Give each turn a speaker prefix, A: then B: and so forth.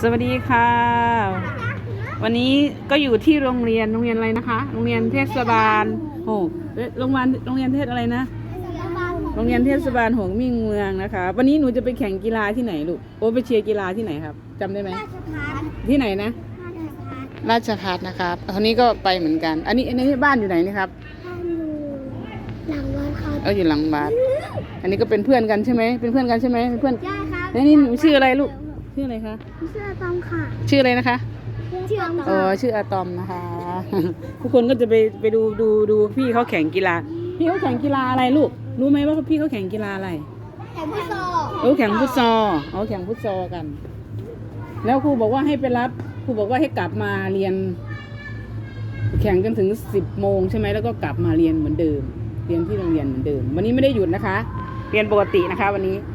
A: สวัสดีค่ะวันนี้ก็อยู่ที่โรงเรียนอะไรนะคะโรงเรียนเทศบาลโรงเรียนเทศอะไรนะโรงเรียนเทศบาลหงมิ่งเมืองนะคะวันนี้หนูจะไปแข่งกีฬาที่ไหนลูกไปเชียร์กีฬาที่ไหนครับจำได้ไหมที่ไหนนะราชภัฏนะครับคนนี้ก็ไปเหมือนกันอันนี้บ้านอยู่ไหนนี่ครับ
B: หลังวัดครับ
A: อยู่หลังวัดอันนี้ก็เป็นเพื่อนกันใช่ไหมเป็นเพื่อนกันใช่ไหมเพื่อน
B: ใช่ครับ
A: นี่หนูชื่ออะไรลูกชื่ออะไรคะ
B: ชื่ออะตอมค่ะ
A: ชื่ออะไรนะคะ
B: ชื่ออะตอม
A: ชื่ออะตอมนะคะทุกคนก็จะไปดูพี่เขาแข่งกีฬาพี่เขาแข่งกีฬาอะไรลูกรู้ไหมว่าพี่เขาแข่งกีฬาอะไร
B: แข่งฟุตซอล
A: แข่งฟุตซอลแข่งฟุตซอลกันแล้วครูบอกว่าให้ไปรับครูบอกว่าให้กลับมาเรียนแข่งจนถึง10 โมงใช่ไหมแล้วก็กลับมาเรียนเหมือนเดิมเรียนที่โรงเรียนเหมือนเดิมวันนี้ไม่ได้หยุดนะคะเรียนปกตินะคะวันนี้